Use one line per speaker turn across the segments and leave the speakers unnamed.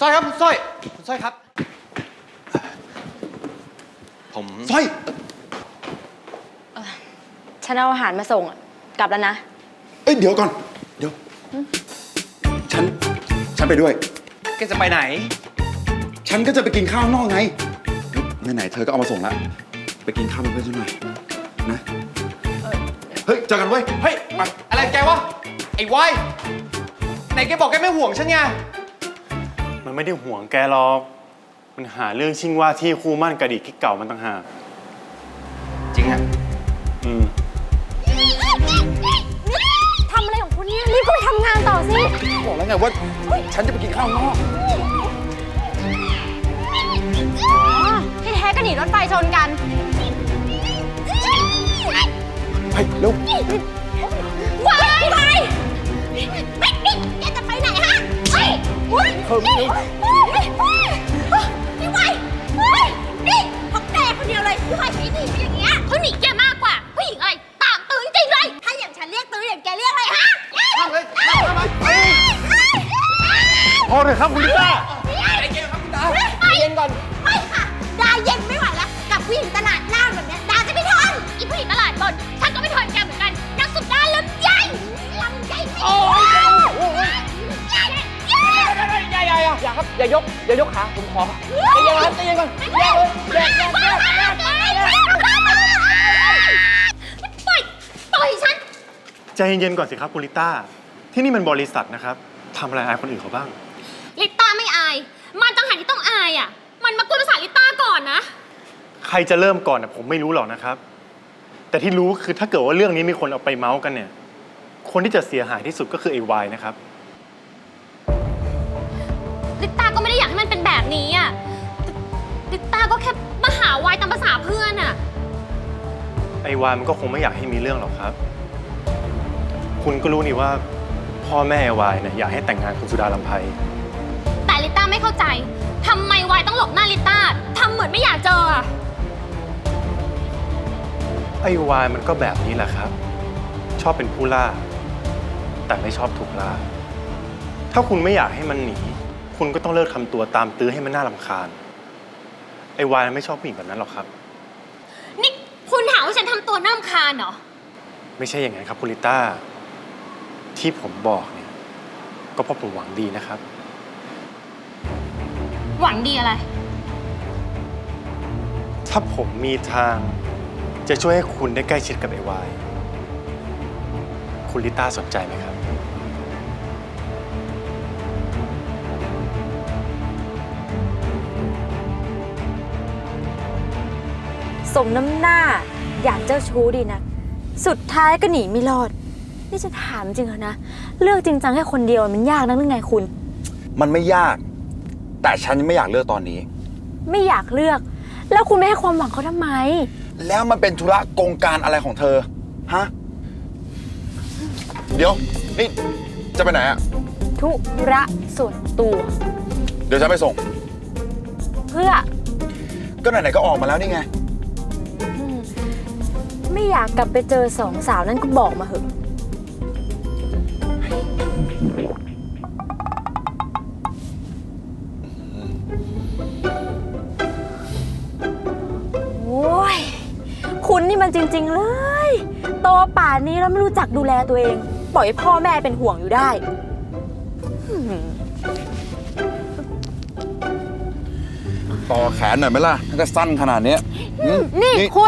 ร้อยครับคุณสร้อยคุณสร้อยครับผม
สร้อย
ฉันเอาอาหารมาส่งกลับแล้วนะ
เอ้ยเดี๋ยวก่อนเดี๋ยวฉันไปด้วย
แกจะไปไหน
ฉันก็จะไปกินข้าวข้างนอกไงไหนๆเธอก็เอามาส่งแล้วไปกินข้าวเป็นเพื่อนฉันหน่อยนะเฮ้ยเจอกันเว้ย
เฮ้ยอะไรแกวะไอ้วายไหนแกบอกแกไม่ห่วงฉันไง
มันไม่ได้ห่วงแกหรอกมันหาเรื่องชิงว่าที่คู่มั่นกระดิกที่เก่ามันต่างหาก
จริงอะ
ทำอะไรของคุณเนี่ยรีบไปทำงานต่อสิ
บอกแล้วไงว่าฉันจะไปกินข้าวข้างนอก
ที่แท้ก็หนีรถไฟชนกัน
ไปเร็ว
วายแกจะไปไหนฮะพี่วายนี่เพราะแกคนเดียวเลยพี่วายใช้หนีอย่างเงี้ยเขาหนีแกมากกว่าผู้หญิงอะไรตามตื้อจริงเลยถ้าอย่างฉันเรียกตื้ออย่างแกเรียกอะไรฮะ
ทำเลย
พอเลยครับคุณลิต้า
ใจเย็นครับคุณดาใจเย็นก่อน
ไม่ค่ะดาเย็นไม่ไหวแล้วกับผู้หญิงตลาดล่างแบบนี้ดาจะไม่ทนอีผู้หญิงตลาดบนฉันก็ไม่ทนแกเหมือนกันนักสุดดาลำใหญ่
โอ้ยอย่าครับอย่ายกขาผมขอใจเย็นครับใจเย็นก่อนแยกเลย
ปล่อยฉัน
ใจเย็นๆก่อนสิครับคุณลิต้าที่นี่มันบริษัทนะครับทำอะไรอายคนอื่นเขาบ้าง
ลิต้าไม่อายมันต่างหากที่ต้องอายอ่ะมันมากวนภาษาลิต้าก่อนนะ
ใครจะเริ่มก่อนผมไม่รู้หรอกนะครับแต่ที่รู้คือถ้าเกิดว่าเรื่องนี้มีคนเอาไปเมาส์กันเนี่ยคนที่จะเสียหายที่สุดก็คือไอ้วายนะครับ
ลิต้าก็ไม่ได้อยากให้มันเป็นแบบนี้อ่ะลิต้าก็แค่มาหาวายตามภาษาเพื่อนอ่ะ
ไอ้วายมันก็คงไม่อยากให้มีเรื่องหรอกครับคุณก็รู้นี่ว่าพ่อแม่วายเนี่ยอยากให้แต่งงานคุณสุดาลำไพ
แต่ลิต้าไม่เข้าใจทำไมวายต้องหลบหน้าลิต้าทำเหมือนไม่อยากเจอ
ไอ้วายมันก็แบบนี้แหละครับชอบเป็นผู้ล่าแต่ไม่ชอบถูกล่าถ้าคุณไม่อยากให้มันหนีคุณก็ต้องเลิกทำตัวตามตื้อให้มันน่ารำคาญไอ้วายไม่ชอบผู้หญิงแบบนั้นหรอกครับ
นี่คุณหาว่าฉันทำตัวน่ารำคาญเหรอ
ไม่ใช่อย่างนั้นครับคุณลิต้าที่ผมบอกเนี่ยก็เพราะผมหวังดีนะครับ
หวังดีอะไร
ถ้าผมมีทางจะช่วยให้คุณได้ใกล้ชิดกับไอ้วายคุณลิต้าสนใจไหมครับ
สมน้ำหน้าอยากเจ้าชู้ดีนะสุดท้ายก็หนีไม่รอดนี่จะถามจริงเหรอนะเลือกจริงจังแค่คนเดียวมันยากนักหรือไงคุณ
มันไม่ยากแต่ฉันยังไม่อยากเลือกตอนนี้
ไม่อยากเลือกแล้วคุณไม่ให้ความหวังเขาทำไม
แล้วมันเป็นธุระกงการอะไรของเธอฮะเดี๋ยวนี่จะไปไหนอะ
ธุระส่วนตัว
เดี๋ยวฉันไปส่ง
เพื่อ
ก็ไหนๆก็ออกมาแล้วนี่ไง
ไม่อยากกลับไปเจอสองสาวนั่นก็บอกมาเหอะโอ้ยคุณนี่มันจริงๆเลยโตป่านนี้แล้วไม่รู้จักดูแลตัวเองปล่อยให้พ่อแม่เป็นห่วงอยู่ได้
ต่อแขนหน่อยไหมล่ะถ้าจะสั้นขนาดนี้
นี่คุณ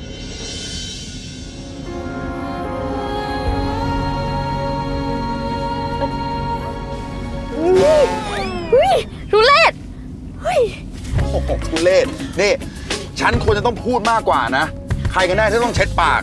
ทุเรศ
โอ้โหทุเรศนี่ฉันควรจะต้องพูดมากกว่านะใครกันแน่ที่ต้องเช็ดปาก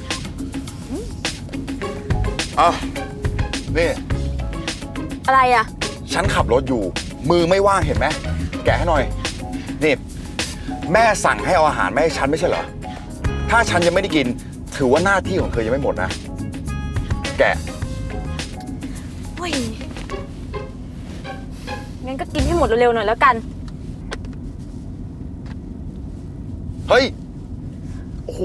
นี่
อะไรอ่ะ
ฉันขับรถอยู่มือไม่ว่างเห็นไหมแกะให้หน่อยนี่แม่สั่งให้เอาอาหารมาให้ฉันไม่ใช่เหรอถ้าฉันยังไม่ได้กินถือว่าหน้าที่ของเธอยังไม่หมดนะแกะ
งั้นก็กินให้หมดเร็วๆหน่อยแล้วกัน
เฮ้ยโอ้โห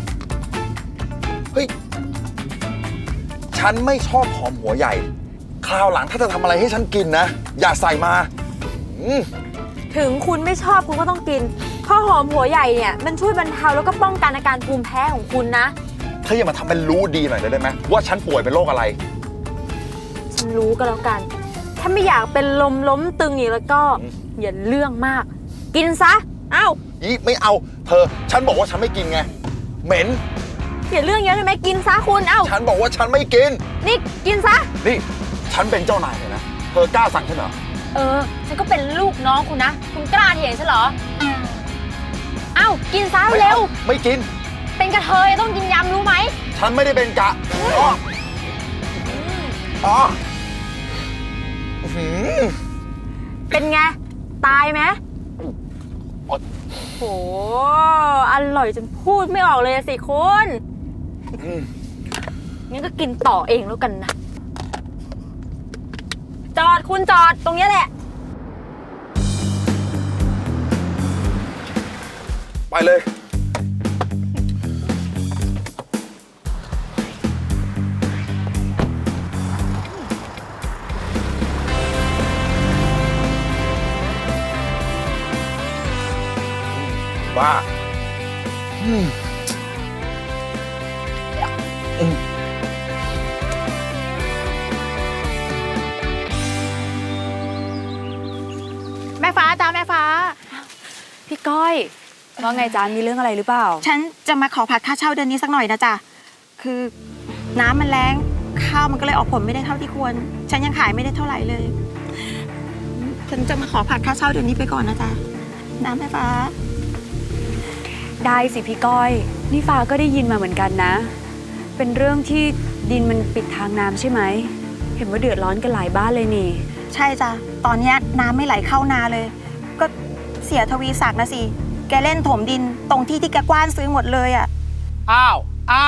เฮ้ยฉันไม่ชอบหอมหัวใหญ่ใคราวหลังถ้าจะทำอะไรให้ฉันกินนะ อย่าใส่มาอืม
ถึงคุณไม่ชอบคุณก็ต้องกินข้าวหอมหัวใหญ่เนี่ยมันช่วยบรรเทาแล้วก็ป้องกันอาการภูมิแพ้ของคุณนะ
เธออย่ามาทำเป็นรู้ดีหน่อยได้ไหมว่าฉันป่วยเป็นโรคอะไร
ฉันรู้ก็แล้วกัน ถ้าไม่อยากเป็นลมล้มตึงอีกแล้วก็อย่าเรื่องมาก กินซะ เอ้า
ยี่ไม่เอา เธอ ฉันบอกว่าฉันไม่กินไง เหม็น
อย่าเรื่องเยอะได้ไหมกินซะคุณ เอ้า
ฉันบอกว่าฉันไม่กิน
นี่กินซะ
นี่ ฉันเป็นเจ้านายเลยนะ เธอกล้าสั่งฉันเหรอ
ฉันก็เป็นลูกน้องคุณนะ คุณกล้าเถียงฉันเหรอ เอ้า กินซะ
ไม่
เร็ว
อาไม่กิน
เป็นกระเทยต้องกินยำรู้ไหม
ฉันไม่ได้เป็นกะอ๋ออ๋ออื้อหือ
เป็นไง ตายไหม
อ๋อ
โห อร่อยจนพูดไม่ออกเลยอะสิคุณ
อืม
งั้นก็กินต่อเองแล้วกันนะ จอดคุณจอดตรงนี้แหละ
ไปเลย บ้าอืมอืม
แม่ฟ้าจ้าแม่ฟ้า
พี่ก้อยว่าไงจ๊ะมีเรื่องอะไรหรือเปล่า
ฉันจะมาขอผัดค่าเช่าเดือนนี้สักหน่อยนะจ๊ะ คือน้ำมันแรงข้าวมันก็เลยออกผลไม่ได้เท่าที่ควร ฉันยังขายไม่ได้เท่าไหร่เลย ฉันจะมาขอผัดค่าเช่าเดือนนี้ไปก่อนนะจ๊ะน้ำแม่ฟ้า
ได้สิพี่ก้อย นี่ฟ้าก็ได้ยินมาเหมือนกันนะ เป็นเรื่องที่ดินมันปิดทางน้ำใช่ไหม เห็นว่าเดือดร้อนกันหลายบ้านเลยนี่
ใช่จ้ะ ตอนเนี้ยน้ำไม่ไหลเข้านาเลย ก็เสียทวีศักดิ์นะสิ แกเล่นถมดินตรงที่ที่แกกว้านซื้อหมดเลยอ่ะ
อ้าว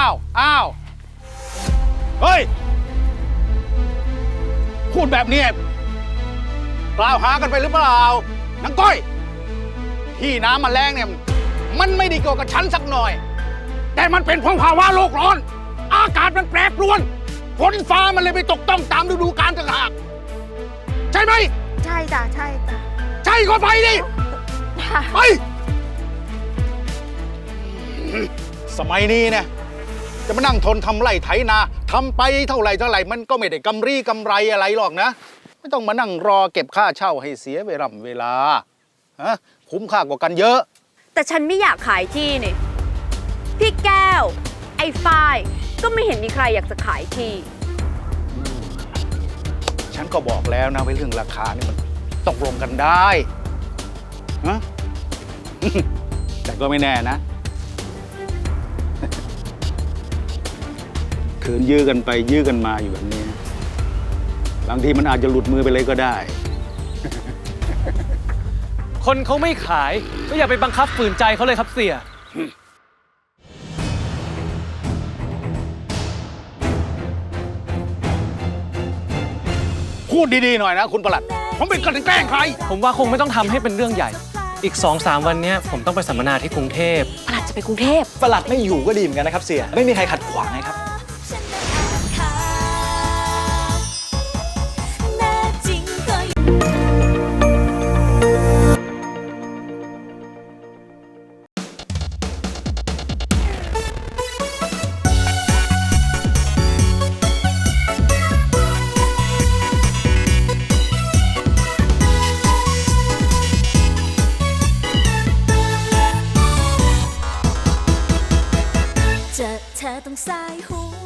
เฮ้ย พูดแบบนี้กล่าวหากันไปหรือเปล่านางก้อย ที่น้ำมันแรงเนี่ย มันไม่ได้เกี่ยวกับฉันสักหน่อย แต่มันเป็นเพราะภาวะโลกร้อน อากาศมันแปรปรวน ฝนฟ้ามันเลยไปตกต้องตามฤดูกาลต่างหาก ใช่ไหม
ใช่จ้ะ ใช่จ้ะ
ใช่ก็ไปดิไป สมัยนี้เนี่ยจะมานั่งทนทำไร่ไถนาทำไปเท่าไหร่มันก็ไม่ได้กำไรอะไรหรอกนะ ไม่ต้องมานั่งรอเก็บค่าเช่าให้เสียเวลาฮะคุ้มค่ากว่ากันเยอะ
แต่ฉันไม่อยากขายที่นี่ พี่แก้ว ไอ้ฝ้ายก็ไม่เห็นมีใครอยากจะขายที่
ฉันก็บอกแล้วนะว่าเรื่องราคานี่มันตกลงกันได้ฮะ แต่ก็ไม่แน่นะ ขืนยื้อกันไปยื้อกันมาอยู่แบบนี้นะบางทีมันอาจจะหลุดมือไปเลยก็ได้
คนเขาไม่ขายก็อย่าไปบังคับฝืนใจเขาเลยครับเสีย
พูดดีๆหน่อยนะคุณประหลัด ผมเป็นคนแกล้งใคร
ผมว่าคงไม่ต้องทำให้เป็นเรื่องใหญ่ อีก 2-3 วันเนี้ยผมต้องไปสัมมนาที่กรุงเทพ
ประหลัดจะไปกรุงเทพ
ประหลัดไม่อยู่ก็ดีเหมือนกันนะครับเสีย ไม่มีใครขัดขวางนะครับ
เจอเธอต้องสายหัว